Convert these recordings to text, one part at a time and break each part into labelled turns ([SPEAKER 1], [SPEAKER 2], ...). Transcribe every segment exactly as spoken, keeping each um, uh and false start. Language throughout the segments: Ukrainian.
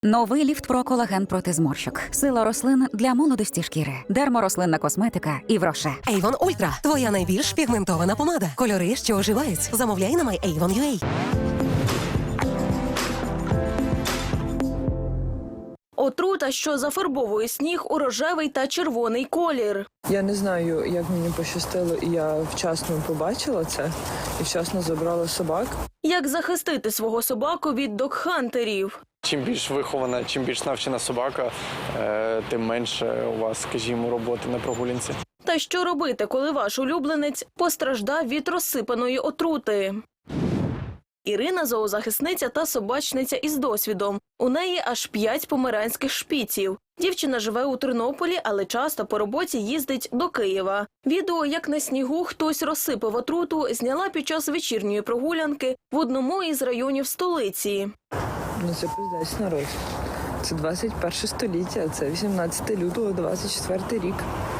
[SPEAKER 1] Новий ліфт про колаген проти зморщок. Сила рослин для молодості шкіри. Дерморослинна косметика і Вроше.
[SPEAKER 2] Avon Ultra – твоя найбільш пігментована помада. Кольори, що оживають. Замовляй на май ейвон крапка ю а.
[SPEAKER 3] Отрута, що зафарбовує сніг у рожевий та червоний колір.
[SPEAKER 4] Я не знаю, як мені пощастило, і я вчасно побачила це, і вчасно забрала собак.
[SPEAKER 3] Як захистити свого собаку від догхантерів?
[SPEAKER 5] Чим більш вихована, чим більш навчена собака, тим менше у вас, скажімо, роботи на прогулянці.
[SPEAKER 3] Та що робити, коли ваш улюбленець постраждав від розсипаної отрути? Ірина – зоозахисниця та собачниця із досвідом. У неї аж п'ять померанських шпіців. Дівчина живе у Тернополі, але часто по роботі їздить до Києва. Відео, як на снігу хтось розсипав отруту, зняла під час вечірньої прогулянки в одному із районів столиці.
[SPEAKER 4] Ну це пиздець, народ. Це двадцять перше століття, це вісімнадцяте лютого, двадцять четвертий рік.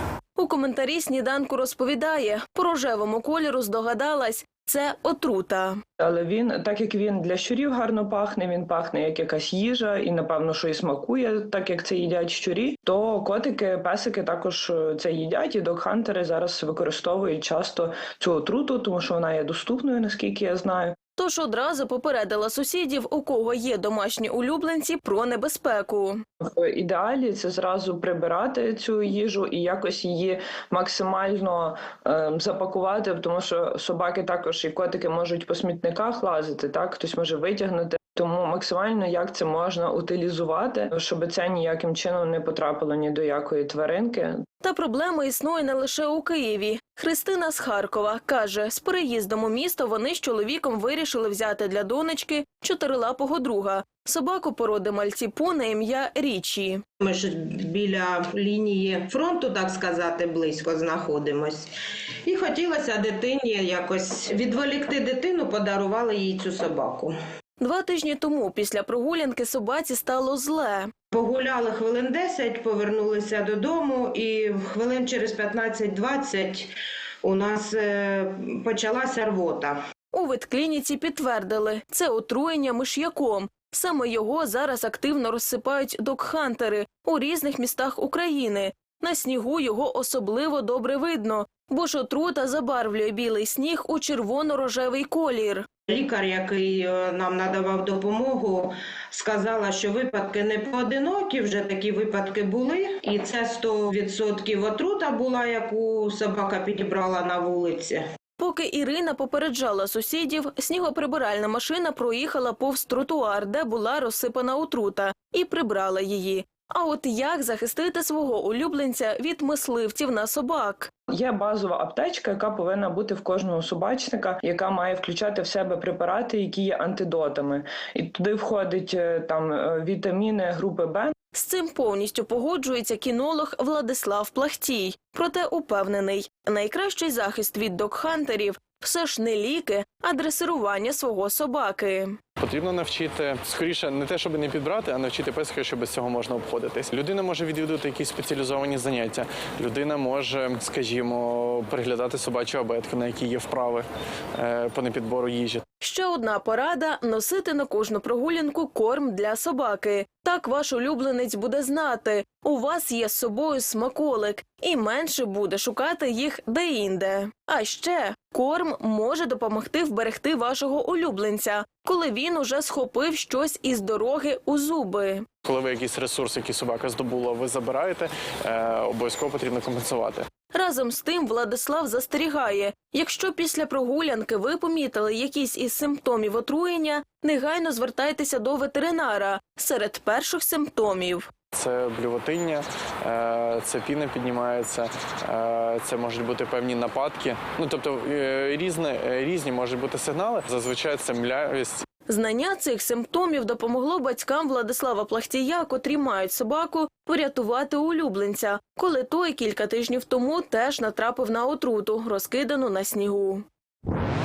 [SPEAKER 3] У коментарі «Сніданку» розповідає, по рожевому кольору здогадалась – це отрута.
[SPEAKER 4] Але він, так як він для щурів гарно пахне, він пахне як якась їжа і, напевно, що і смакує, так як це їдять щурі, то котики, песики також це їдять, і догхантери зараз використовують часто цю отруту, тому що вона є доступною, наскільки я знаю.
[SPEAKER 3] Тож одразу попередила сусідів, у кого є домашні улюбленці, про небезпеку.
[SPEAKER 4] В ідеалі це зразу прибирати цю їжу і якось її максимально е, запакувати, тому що собаки також і котики можуть по смітниках лазити, так, хтось може витягнути. Тому максимально як це можна утилізувати, щоб це ніяким чином не потрапило ні до якої тваринки.
[SPEAKER 3] Та проблема існує не лише у Києві. Христина з Харкова каже, з переїздом у місто вони з чоловіком вирішили взяти для донечки чотирилапого друга – собаку породи мальтіпу на ім'я Річі.
[SPEAKER 6] Ми ж біля лінії фронту, так сказати, близько знаходимось. І хотілося дитині якось відволікти дитину, подарували їй цю собаку.
[SPEAKER 3] Два тижні тому після прогулянки собаці стало зле.
[SPEAKER 6] Погуляли хвилин десять, повернулися додому і хвилин через п'ятнадцять-двадцять у нас почалася рвота.
[SPEAKER 3] У ветклініці підтвердили – це отруєння миш'яком. Саме його зараз активно розсипають догхантери у різних містах України. На снігу його особливо добре видно, бо ж отрута забарвлює білий сніг у червоно-рожевий колір.
[SPEAKER 6] Лікар, який нам надавав допомогу, сказала, що випадки не поодинокі, вже такі випадки були. І це сто відсотків отрута була, яку собака підібрала на вулиці.
[SPEAKER 3] Поки Ірина попереджала сусідів, снігоприбиральна машина проїхала повз тротуар, де була розсипана отрута, і прибрала її. А от як захистити свого улюбленця від мисливців на собак?
[SPEAKER 4] Є базова аптечка, яка повинна бути в кожного собачника, яка має включати в себе препарати, які є антидотами. І туди входить там вітаміни групи Б.
[SPEAKER 3] З цим повністю погоджується кінолог Владислав Плахтій. Проте упевнений, найкращий захист від догхантерів – все ж не ліки, а дресирування свого собаки.
[SPEAKER 5] Потрібно навчити, скоріше, не те, щоб не підбрати, а навчити песика, що без цього можна обходитись. Людина може відвідувати якісь спеціалізовані заняття. Людина може, скажімо, переглядати собачу абетку, на якій є вправи по непідбору їжі.
[SPEAKER 3] Ще одна порада – носити на кожну прогулянку корм для собаки. Так ваш улюбленець буде знати, у вас є з собою смаколик, і менше буде шукати їх де-інде. А ще корм може допомогти вберегти вашого улюбленця, коли він уже схопив щось із дороги у зуби.
[SPEAKER 5] Коли ви якийсь ресурс, який собака здобула, ви забираєте, е, обов'язково потрібно компенсувати.
[SPEAKER 3] Разом з тим Владислав застерігає, якщо після прогулянки ви помітили якісь із симптомів отруєння, негайно звертайтеся до ветеринара серед перших симптомів.
[SPEAKER 5] Це блювотиння, це піна піднімається, це можуть бути певні нападки. Ну, тобто різні, різні можуть бути сигнали, зазвичай це млявість.
[SPEAKER 3] Знання цих симптомів допомогло батькам Владислава Плахтія, котрі мають собаку, порятувати улюбленця, коли той кілька тижнів тому теж натрапив на отруту, розкидану на снігу.